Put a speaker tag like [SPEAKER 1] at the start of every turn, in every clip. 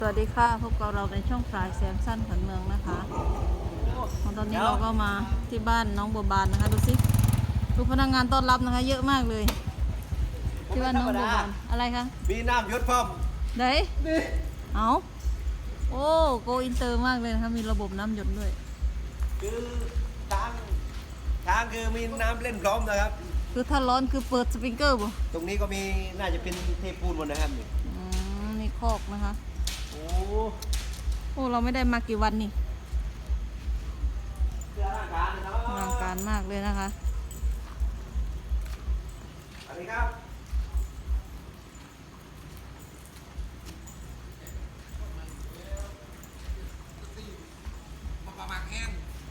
[SPEAKER 1] สวัสดีค่ะพบกับเราในช่องปลายแซมสั้นขวัญเมืองนะคะตอนนี้เราก็มาที่บ้านน้องบัวบานนะคะดูสิดูพนักงานต้อนรับนะคะ เยอะมากเลยที่บ้านน้องบัวบานอะไรคะ
[SPEAKER 2] มีน้ำยศพร้อม
[SPEAKER 1] ไหนเอาโอ้โกอินเตอร์มากเลยนะคะมีระบบน้ำหยดด้วย
[SPEAKER 2] คือช้างคือมีน้ำเล่นพร้อมนะครับ
[SPEAKER 1] คือถ้าร้อนคือเปิดสปริงเกอร์บ่
[SPEAKER 2] ตรงนี้ก็มีน่าจะเป็นเทปูนหมดนะครับนี่
[SPEAKER 1] นี่คอกนะคะ
[SPEAKER 2] โ
[SPEAKER 1] อ้เราไม่ได้มากี่วันนี่
[SPEAKER 2] อลังการเลยเนาะ
[SPEAKER 1] อลังการมากเลยนะคะ
[SPEAKER 2] สวัสดีครับปลาหมักแห้ง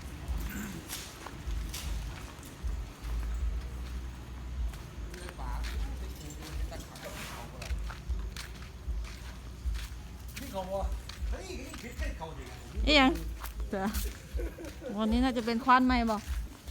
[SPEAKER 1] นี่ยังวันนี้น่าจะเป็นควานใหม่บ่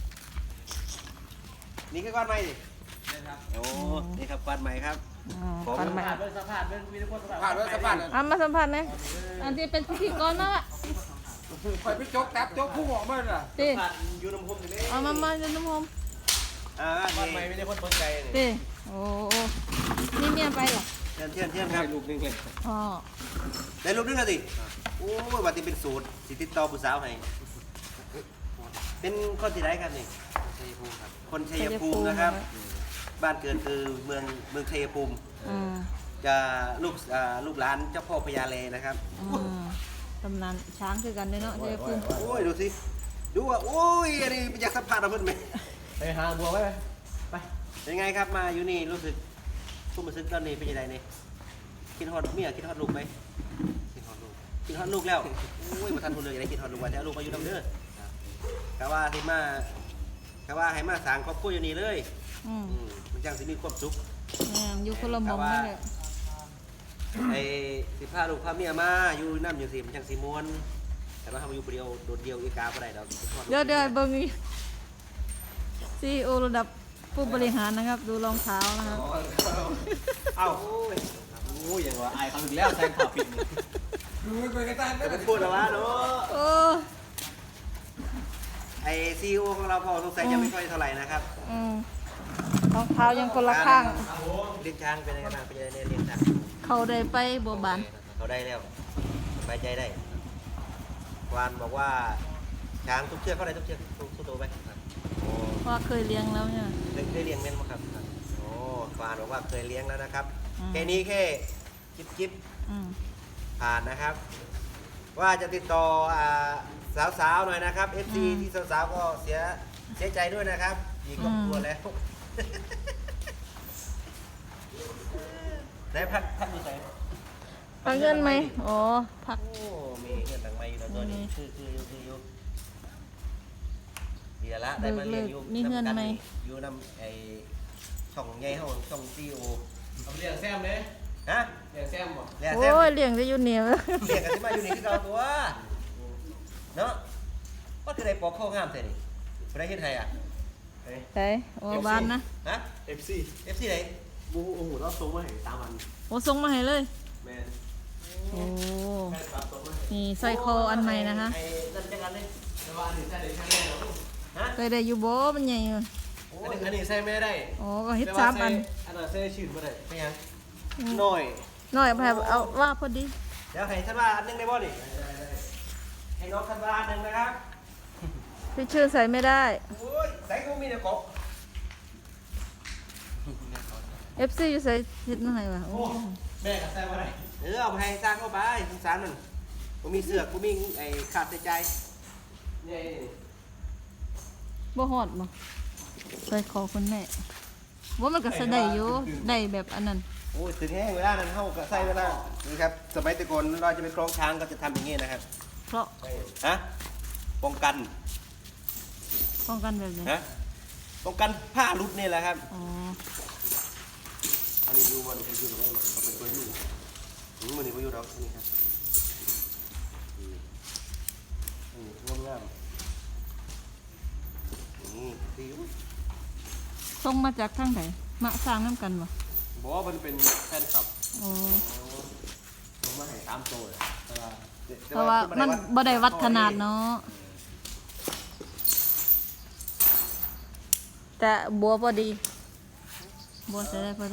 [SPEAKER 2] นี่คือก้อนไม้ดิโอ้นี่ครับก้อนไม้ครับ
[SPEAKER 1] ควานใหม่
[SPEAKER 2] ผ่านด้วยสะพาน
[SPEAKER 1] มาสัมผัสเลยอันที่เป็นพิธีกรนะ
[SPEAKER 3] คอยไปจกแท็บจกผู้หมอมาเลย
[SPEAKER 1] ตี
[SPEAKER 2] อยู่น้ำพุนี่
[SPEAKER 1] เอามาอยู่น้ำหอม
[SPEAKER 2] ก้อนไม้ไม่ได้คนสนใจ
[SPEAKER 1] ตีโอ้นี่เมียไปเหรอ
[SPEAKER 2] เทียนครับลูกนึงเลย
[SPEAKER 1] อ๋อ
[SPEAKER 2] ได้ลูกนึงแล้วสิโอ้ยวันที่เป็นสูตรสิติดต่อผู้สาวให้เป็นคนที่ไหนครับนี่ชัยภูมิครับคนชัยภูมินะครับบ้านเกิดคือเมืองชัยภูมิจะลูกหลานเจ้าพ่อพญาเลนะครับ
[SPEAKER 1] ตำนานช้างคือกันด้วยเนาะชัยภูมิ
[SPEAKER 2] โอ้ยดูสิดูว่าโอ้ยอันนี้อยากสัมผัสเราเพิ่นไหม
[SPEAKER 3] ไปหาบัวไว้ไป
[SPEAKER 2] เป็นไงครับมาอยู่นี่รู้สึกผู้มาซึ้งตอนนี้เป็นยังไงนี่คิดฮอดเมียคิดฮอดลูกไหมคิดฮอดลูกแล้วโอ้ยมาทันทุนเลยอยากได้คิดฮอดลูกว่าจะเอาลูกมาอยู่น้ำเด้อกะว่าให้มาสร้างครอบครัวอยู่นี่เลยมันจังสิมีความสุข
[SPEAKER 1] อยู่คนละมุมนี่แหละ
[SPEAKER 2] ไอ้สิพาลูกพาเมียมาอยู่น้ำอยู่สิมันจังสิมวนแต่ว่าทำอยู่คนเดียวโดดเดียวอีกาบ่ได้ดอก
[SPEAKER 1] เดี๋ยวเบิ่งอีซีโอระดับผู้บริหารนะครับดูรองเท้านะครับ
[SPEAKER 2] เอ้า
[SPEAKER 3] โอ้ยอย่างว่าไอ้เขาอีกแล้วแซงข่าวปิดดูไปกันตั้ง
[SPEAKER 2] แต่เป็นพูดแล้ววะเนาะไอซีโอของเราพอสงสัยยังไม่ค่อยเท่าไหร่นะครับ
[SPEAKER 1] รองเท้ายังคนละข้าง
[SPEAKER 2] เลี้ยงช้างเป็นยังไงบ้างเป็นยังไงเลี้ยงช้าง
[SPEAKER 1] เขาได้ไปบัวบาน
[SPEAKER 2] เขาได้แล้วสบายใจได้วานบอกว่าช้างทุกเชือกเขาได้ทุกเชือกทุกตัวไป
[SPEAKER 1] ว่าเคยเลี้ยงแล้วเนี่ย
[SPEAKER 2] เคยเลี้ยงเม่นมั้งครับโอ้วานบอกว่าเคยเลี้ยงแล้วนะครับแค่นี้แค่จิ๊บผ่านนะครับว่าจะติดต่อสาวๆหน่อยนะครับ FC ที่สาวๆก็เสียใจด้วยนะครับมีครอบครัวแล้วได้พักอยู่ไหน
[SPEAKER 1] พักเงินไหมอ๋อพัก
[SPEAKER 2] โอ้มีเงินต่างไม้อยู่แล้วตัวนี้คืออยู่เดี๋ยวละได้มาเรียนอยู่
[SPEAKER 1] มีเงินไหม
[SPEAKER 2] อยู่นำไอช่องใหญ่ห้องช่องซีโอ
[SPEAKER 3] เอาเลี้ยงแซมเลย
[SPEAKER 2] ฮะ
[SPEAKER 3] เลี้ยงแซมบ่
[SPEAKER 1] โอ้ยเลี้ยงจะอยู่เหนียว
[SPEAKER 2] เลี้ยงกันที่มาอยู่นี่คือเราตัวเนาะก็คือได้ปอกข้าวงามแต่นี่ไม่ได้เฮ็ดไทยอ่ะ
[SPEAKER 1] ใช่โอ้บ้านนะ
[SPEAKER 2] ฮะ FC ไหนบูโอ้โหเราส่งมาให้3 วัน
[SPEAKER 1] โอ้ส่งมาให้เลย
[SPEAKER 2] แม่
[SPEAKER 1] โอ้นี่ใส่คออันใหม่นะคะ
[SPEAKER 2] ไอ้นั่นจังกันเลย
[SPEAKER 3] แต่ว่าอันนี้ใส่ได้แค่นี้
[SPEAKER 2] ฮะ
[SPEAKER 1] เคยได้อยู่บ่มันใหญ่เลย
[SPEAKER 3] อันนี้ใส่ไม่ได้
[SPEAKER 1] โอ้ก็เฮ็ด3 อัน
[SPEAKER 3] อันนั้นใส่ชื่นบ่ได้
[SPEAKER 2] ไม่ยังน้อย
[SPEAKER 1] แบบเอาว่าพอดี
[SPEAKER 2] เดี๋ยวให้ท่านว่าอันนึงได้บ่นี่ให้น้องท่านว่าอันนึงนะครับ
[SPEAKER 1] พี่ชื่อใส่ไม่ได้
[SPEAKER 2] โอ้ยใส่กูมีแต่กบ
[SPEAKER 1] FC อยู่ใส่เฮ็ดมาให้ว่ะโอ้
[SPEAKER 3] แม่ก็ใส่บ่ได้
[SPEAKER 2] เอาไปให้สร้างเข้าไปสงสารมันกูมีเสือกกูมีไอ้ขาดใจ
[SPEAKER 3] นี่
[SPEAKER 1] บ่ฮอดบ่ใส่คอคุณแม่ว่ามันก็ใส่ได้อยู่ได้แบบอันนั้น
[SPEAKER 2] โอ้ยถึงแห้งเวลานั้นเฮาก็ใส่เวลานี่ครับสมัยแต่ก่อนเราจะไปคล้องช้างก็จะทำอย่างงี้นะครับ
[SPEAKER 1] เพราะ
[SPEAKER 2] ฮะป้องกัน
[SPEAKER 1] แบบนี้
[SPEAKER 2] ฮะป้องกันผ้าหลุดนี่แหละครับ
[SPEAKER 1] อ๋อ
[SPEAKER 2] อันนี้อยู่บ่นี่คืออยู่ตรงนั้นก็เป็นตัวอยู่มันนี่บ่อยู่ดอกนี่ครับงามนี่สิว
[SPEAKER 1] ส่งมาจากทางไหนมาสร้างน้ำกันบ่
[SPEAKER 3] บอกว่ามันเป็นแฟนคลับ
[SPEAKER 1] อ๋อ
[SPEAKER 2] ส่งมาให้
[SPEAKER 3] 3โตเลยแต่ว่า
[SPEAKER 1] เพราะว่ามันบ่ได้วัดขนาดเนาะแต่บัวพอดีบัวใส่ได้พอดี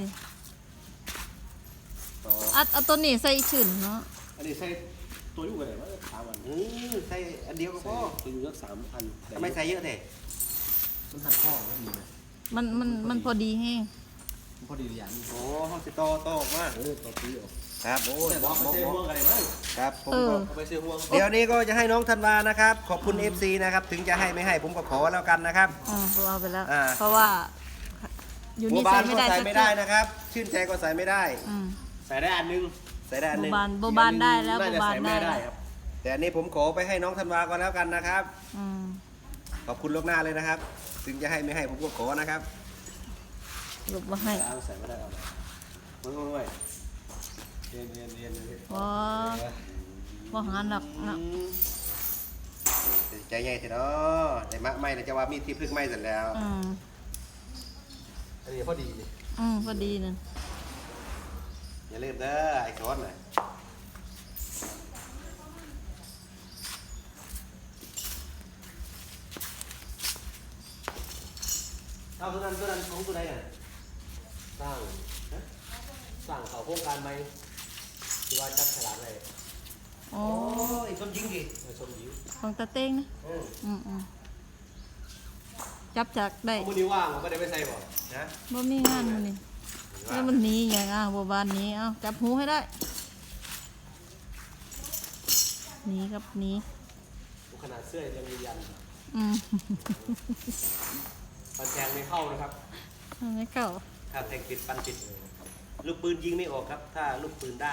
[SPEAKER 3] ต่อ
[SPEAKER 1] เอาตัวนี้ใส่ชื่นเนาะ
[SPEAKER 3] อันนี้ใส่ตัวอยู่กันไหนวะ3 วัน
[SPEAKER 2] ใส่อันเดียวก็พ
[SPEAKER 3] ใส่
[SPEAKER 2] อ
[SPEAKER 3] ตัวอยู่สัก3,000
[SPEAKER 2] ทำไมใส่เยอะเถอะ
[SPEAKER 3] มันหัดข้อมันมีไหม
[SPEAKER 1] มันพอดีแห้ง
[SPEAKER 3] มันพอดีหรือยัง
[SPEAKER 2] โอ้ห้องสิโตโตออกมา
[SPEAKER 3] ตัวปีออก
[SPEAKER 2] ครับโอ้ย
[SPEAKER 3] แต่บอกไม่ใช่ห่วงอะไรมั้ง
[SPEAKER 2] ครับผม
[SPEAKER 1] เออ
[SPEAKER 3] เอาไปซื้อห่วง
[SPEAKER 2] เดี๋ยวนี้ก็จะให้น้องธันวานะครับ ขอบคุณ FC นะครับ ถึงจะให้ไม่ให้ผมก็ขอแล้วกันนะครับ
[SPEAKER 1] ผมเอาไปแล้ว
[SPEAKER 2] อ่า
[SPEAKER 1] เพราะว่าอยู่
[SPEAKER 2] บัว
[SPEAKER 1] นี่
[SPEAKER 2] บา
[SPEAKER 1] ใส่
[SPEAKER 2] น
[SPEAKER 1] ไม่
[SPEAKER 2] ก็
[SPEAKER 1] ได้
[SPEAKER 2] ใส่
[SPEAKER 1] สัก
[SPEAKER 2] ไม่
[SPEAKER 1] จุ
[SPEAKER 2] ได้
[SPEAKER 1] ด
[SPEAKER 2] นะครับ ชื่นใจก็ใส่ไม่ได้
[SPEAKER 1] อืม
[SPEAKER 3] ใส่ได้อันนึง
[SPEAKER 2] ใส่ได้อันหนึง
[SPEAKER 1] บัวบานได้แล้ว
[SPEAKER 3] น่า
[SPEAKER 1] บัว
[SPEAKER 3] จะ
[SPEAKER 1] บาน
[SPEAKER 3] ใส่
[SPEAKER 1] ได้
[SPEAKER 3] ไม่ได้
[SPEAKER 1] แล้ว
[SPEAKER 3] ครับ
[SPEAKER 2] แต่อันนี้ผมขอไปให้น้องธันวาก่อนแล้วกันนะครับ
[SPEAKER 1] อืม
[SPEAKER 2] ขอบคุณล่วงหน้าเลยนะครับ ถึงจะให้ไม่ให้ผมก็ขอนะครับ
[SPEAKER 1] หลบมาให้
[SPEAKER 3] ใส่ไม่ได้เอาเลยไม่เรียน
[SPEAKER 1] ว่าหาหนักนะ
[SPEAKER 2] ใจใหญ่เถอะเนาะแต่มะไม่นะจะว่ามีที่พึ่งไม่เสร็จแล้ว
[SPEAKER 3] อันนี้พอดี
[SPEAKER 1] พอดีนึง
[SPEAKER 2] อย่าลืมเด้อไอ้ช้อนน่ะเอาตัวนั้นของตัวไหนอ่ะ
[SPEAKER 3] สร้างเขาโครงการไหมที่ว่าจับฉลากเลย
[SPEAKER 1] โอ้
[SPEAKER 2] ไอ้ต้นยิงดิ
[SPEAKER 3] ชมยิ้ว
[SPEAKER 1] ของตาเต้งนะจับจากได้
[SPEAKER 3] มือนี้ว่างผมก็ได้ไปใส่บ่
[SPEAKER 2] นะ
[SPEAKER 1] บ่มีงานมันนี่แล้วมันหนีอย่างบัวบานหนี้จับหูให้ได้หนีกับหนี
[SPEAKER 3] ขนาดเสื้อยังมียัน ปันแทงไม่เข้านะครับ
[SPEAKER 1] ไม่เข้า
[SPEAKER 2] ถ้าแทงปิดปันปิด ลูกปืนยิงไม่ออกครับ ถ้าลูกปืนด้าน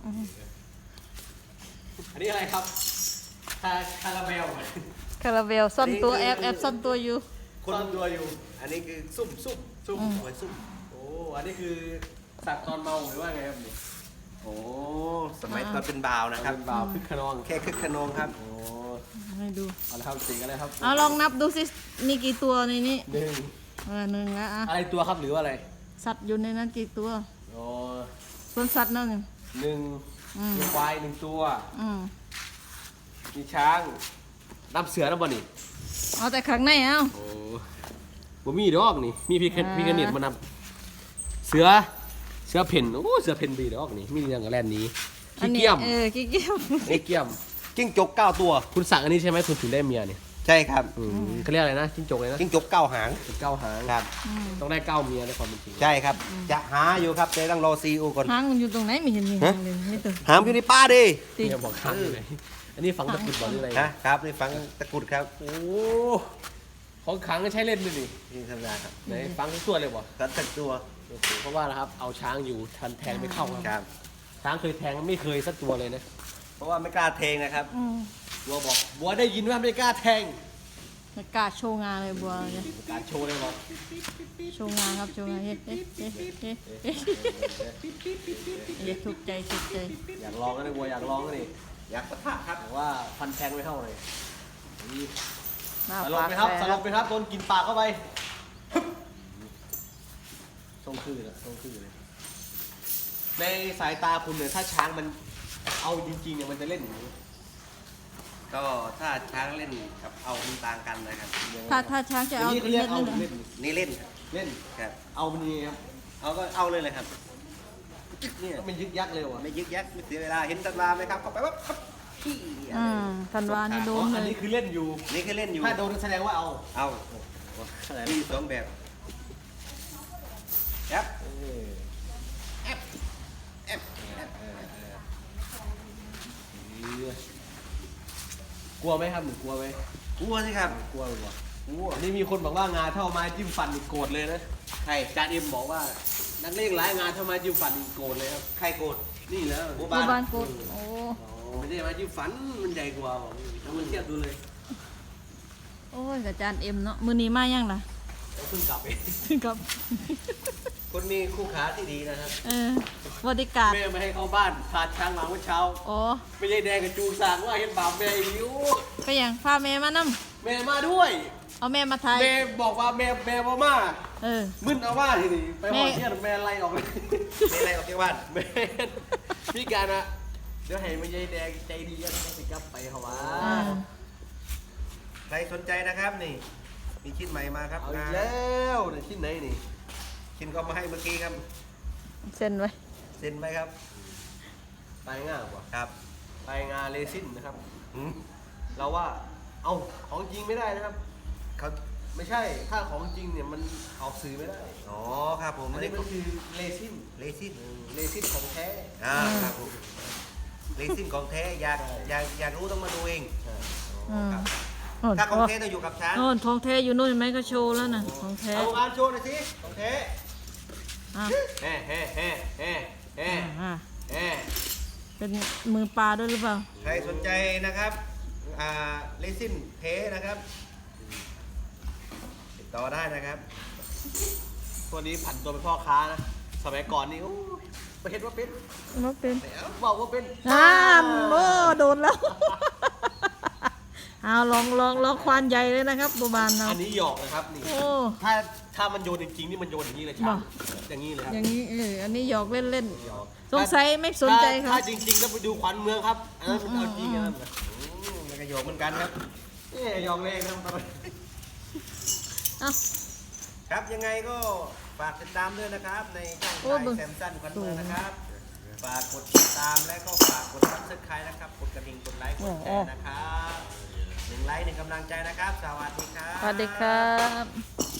[SPEAKER 3] อันนี้อะไรครับคาราเมล
[SPEAKER 1] คาราเบลซ่อนตัวแอบซ่อนตัวอยู่
[SPEAKER 3] คนตัวอยู่
[SPEAKER 2] อันนี้คือซุ่มเอาไว้ซุ่ม
[SPEAKER 3] โอ้ อันนี้คือสัตว์ตอนเมาหรือว่าไงครับนี่
[SPEAKER 2] โอ้สมัยตอนเป็นบ่าวนะครับ
[SPEAKER 3] เป็นบ่าวคึกขนอง
[SPEAKER 2] แค่คึกขนองครับ
[SPEAKER 3] โอ้
[SPEAKER 1] ให้ดู
[SPEAKER 3] เอาละครับสีกันเลยครับ
[SPEAKER 1] เอาลองนับดูสิมีกี่ตัวในนี้
[SPEAKER 3] หนึ่ง
[SPEAKER 1] หนึ่งแล้ว
[SPEAKER 3] อะไรตัวครับหรือว่าอะไร
[SPEAKER 1] สัตว์อยู่ในนั้นกี่ตัว
[SPEAKER 3] โอ้
[SPEAKER 1] ส่วนสัตว์นั่น
[SPEAKER 3] หนึ่งมีควาย1 ตัว มีช้างน้ำเสือน้ำบ่นี่
[SPEAKER 1] เอาแต่ข้างใน
[SPEAKER 3] โอ้บ่มีดอกนี่ มีพี่กระเนียดมานำเสือเพ่นโอ้เสือเพ่นบีดอกนี่ มีเรื่องกับแลนนี้ขี้เกียม
[SPEAKER 1] ขี้เกียม
[SPEAKER 3] ขี้เกียม
[SPEAKER 2] จิ้งจก9 ตัว
[SPEAKER 3] คุณสั่งอันนี้ใช่ไหมคุณถึงได้เมียเนี่ย
[SPEAKER 2] ใช่ครับ
[SPEAKER 3] เขาเรียกอะไรนะจิ้งจกเลยนะ
[SPEAKER 2] จิ้งจก9 หาง
[SPEAKER 3] 9 หาง
[SPEAKER 2] ครับ
[SPEAKER 3] ต้องได้9 เมียในความเป็นจริง
[SPEAKER 2] ใช่ครับ จะหาอยู่ครับแต่ต้องรอซีอูก่อน
[SPEAKER 1] หางมันอยู่ตรงไหนไม่เห็นมีหางเลยไม่ตัว
[SPEAKER 2] หามอยู่ในป่าดิ
[SPEAKER 1] ตี
[SPEAKER 3] เมียบอกข้างอยู่ไหนอันนี้ฝังตะกรุดบ่หรืออะไร
[SPEAKER 2] นะครับนี่ฟังตะกรุดครับ
[SPEAKER 3] โอ้ของขังก็ใช้เล่นด้วยนี่
[SPEAKER 2] นี่ธรรมดาครับ
[SPEAKER 3] ไหนฟังทุกตัวเลยบ่
[SPEAKER 2] สัตว์ตักตัว
[SPEAKER 3] โอ้โหเพราะว่านะครับเอาช้างอยู่ทันแทงไม่เข้า
[SPEAKER 2] ค
[SPEAKER 3] ค
[SPEAKER 2] รั
[SPEAKER 3] รับบ ช้างเคยแทงไม่เคยสักตัวเลยนะ
[SPEAKER 2] เพราะว่าไม่กล้าเทงนะครับ
[SPEAKER 3] บัวบอกบัวได้ยินว่าไม่กล้าแทง
[SPEAKER 1] ไม่กล้าโชว์งานเลยบัวเนี่ย
[SPEAKER 3] การโชว์เลยบอก
[SPEAKER 1] โชว์งานครับโชว์งานเฮ้ถูกใจ
[SPEAKER 3] อยากลองก็ได้บัวอยากลองก็ดิ
[SPEAKER 2] อยากปะทะครับ
[SPEAKER 3] แต่ว่าฟันแทงไม่เข้าเลย
[SPEAKER 1] หน้า
[SPEAKER 3] สลบ
[SPEAKER 1] ปาก
[SPEAKER 3] ไปครับ
[SPEAKER 1] แส
[SPEAKER 3] สลบไปครับโดนกินปากเข้าไปทรงคือเลยทรงคือเลยในสายตาคุณเนี่ยถ้าช้างมันเอาจริงๆเนี่ยมันจะเล่นอย่างนี้
[SPEAKER 2] ก็ถ้าช้างเล่นกับเอามันต่างกันนะครับ
[SPEAKER 1] ถ้าช้างจะเอา
[SPEAKER 3] ย่งนี้เขาเรียกเอา
[SPEAKER 1] เล่น
[SPEAKER 3] เล่น
[SPEAKER 2] นี่เล่นครับ
[SPEAKER 3] เล่น
[SPEAKER 2] ครับ
[SPEAKER 3] เอามันนี่ครับ
[SPEAKER 2] เอาก็เอาเลยเลยครับเนี่ย
[SPEAKER 3] ก็มันยึกยักเร็วอ่ะ
[SPEAKER 2] ไม่ยึกยักไม่เสียเวลาเห็นตันวาไหมครับเข้าไปว่าขี้
[SPEAKER 1] ธันวานี่โด
[SPEAKER 3] อ๋อน อัน
[SPEAKER 1] เล
[SPEAKER 3] นี้
[SPEAKER 1] ย
[SPEAKER 3] คือเล่นอยู่
[SPEAKER 2] นี่คือเล่นอยู่
[SPEAKER 3] ถ้าโดนแสดงว่าเอา
[SPEAKER 2] เอา
[SPEAKER 3] อะไร
[SPEAKER 2] มีสองแบบครับ
[SPEAKER 3] เออ
[SPEAKER 2] แอป
[SPEAKER 3] กลัวไหมครับหนูกลัวไหม
[SPEAKER 2] กลัวสิครับ
[SPEAKER 3] กลัวหรือเปล่าก
[SPEAKER 2] ลัว
[SPEAKER 3] อันนี้มีคนบอกว่างาเท่าไม้จิ้มฟันนี่โกรธเลยนะ
[SPEAKER 2] ใคร
[SPEAKER 3] จานเอ็มบอกว่านักเลงหลายงานเท่าไม้จิ้มฟันนี่โกรธเลยครับ
[SPEAKER 2] ใครโกรธ
[SPEAKER 3] นี่แล้ว
[SPEAKER 2] บัว
[SPEAKER 1] บัวบา
[SPEAKER 2] บาน น
[SPEAKER 1] กดโอ้
[SPEAKER 3] ไม่ได้ไม้จิ้มฟันมันใหญ่กว่าบอกแล้วมันเทียบดูเลย
[SPEAKER 1] โอ้ยกับจานเอ็มเนาะมือนี้มายังล่ะ
[SPEAKER 3] แล้วเพิ่งกลับเอง
[SPEAKER 1] กับ
[SPEAKER 2] คนมีคู่ขาที่ดีนะครับ
[SPEAKER 1] บริการ
[SPEAKER 3] แม่ไม่ให้เข้าบ้านพาช้างมาเมื่อเช้า
[SPEAKER 1] โอ้
[SPEAKER 3] ไม่ใช่แดงกับจูงสางว่าเห็นบาปแม่อีกอยู่
[SPEAKER 1] ไปยังพาแม่มานํ
[SPEAKER 3] แม่มาด้วย
[SPEAKER 1] เอาแม่มาไทย
[SPEAKER 3] แม่บอกว่าแม่บ่มา มึนเอาว่าทีนี้ไปหอดเที่ยงแม่ไล่ออกเลย
[SPEAKER 2] ไม่อะไรออกจากบ้าน
[SPEAKER 3] แม่พี่การอะเดี๋ยวให้มันยายแดงใจดีแล้วมันสิกลับไปเขาว่า
[SPEAKER 2] ใครสนใจนะครับนี่ มีชิ้นใหม่มาครับ
[SPEAKER 3] เอาอีกแล้วในที่ไหนนี่
[SPEAKER 2] ชิ้นก็มาให้เมื่อกี้ครับ
[SPEAKER 1] เซ็นไว้
[SPEAKER 2] เซ็นไหมครับ
[SPEAKER 3] ปลายง่ากว่า
[SPEAKER 2] ครับ
[SPEAKER 3] ปลายงาเรซินนะครับ
[SPEAKER 2] อืม
[SPEAKER 3] เราว่าเอาของจริงไม่ได้นะครับ
[SPEAKER 2] เขา
[SPEAKER 3] ไม่ใช่ถ้าของจริงเนี่ยมันออกสื่อไม่ได้
[SPEAKER 2] อ๋อครับผม
[SPEAKER 3] อันนี้มันคือเรซิน
[SPEAKER 2] เลซิน
[SPEAKER 3] เรซินของแท้
[SPEAKER 2] ครับผมเลซินของแท้อยากรู้ต้องมาดูเอง
[SPEAKER 1] อืม
[SPEAKER 2] ครับ
[SPEAKER 1] โอ้
[SPEAKER 2] ถ้าของแท้ต้องอยู่กับช้าง
[SPEAKER 1] โน่นทองแท้อยู่นู่นเห็นไหมก็โชว์แล้วนะของแท้
[SPEAKER 3] เอางานโชว์หน่อยสิของแท้
[SPEAKER 1] อ่ะ
[SPEAKER 3] แฮ่แฮ่แฮ่แฮ่แฮ่
[SPEAKER 1] อ่ะ
[SPEAKER 3] แฮ่
[SPEAKER 1] เป็นมือปลาด้วยหรือเปล่า
[SPEAKER 2] ใครสนใจนะครับเลซินเทนะครับ ติดต่อได้นะครับ
[SPEAKER 3] ตัวนี้ผันตัวเป็นพ่อค้านะสมัยก่อนนี่โอ้ยไปเห็นว่าเป็น
[SPEAKER 1] ว่าเป็น
[SPEAKER 3] แล้วบอกว่าเป็น
[SPEAKER 1] โอ้โดนแล้ว เอาลองควานใหญ่เลยนะครับบัวบานเรา
[SPEAKER 3] อันนี้หยอกนะครับนี่
[SPEAKER 1] โอ้
[SPEAKER 3] ถ้ามันโยนจริงๆนี่มันโยนอย่างนี้เลยใช่
[SPEAKER 1] บ่
[SPEAKER 3] อย่างนี้เลยครับ
[SPEAKER 1] อย่างนี้อันนี้หยอกเล่น
[SPEAKER 3] หยอก
[SPEAKER 1] ๆสงสัยไม่สนใจเขา
[SPEAKER 3] ถ้าจริงๆก็ไปดูขวัญเมืองครับอันนั้นมันเอาจริงอันนั้นน่ะ
[SPEAKER 2] มันก็โยกเหมือนกันครับ
[SPEAKER 3] นี่หยอกเล่นครับ
[SPEAKER 1] เอ้า
[SPEAKER 2] ครับยังไงก็ฝากติดตามด้วยนะครับ ในช่อง
[SPEAKER 1] โอ้
[SPEAKER 2] ไท
[SPEAKER 1] เบิ่
[SPEAKER 2] ย
[SPEAKER 1] ง
[SPEAKER 2] แซมสันควันเมืองนะครับ ฝากกดติดตามและก็ฝากกดซับสไครต์นะครับ กดกระดิ่งกดไลค์กดแชร์นะครับ1 ไลค์ 1 กำลังใจนะครับ สวัสดีครับ
[SPEAKER 1] สวัสดีครับ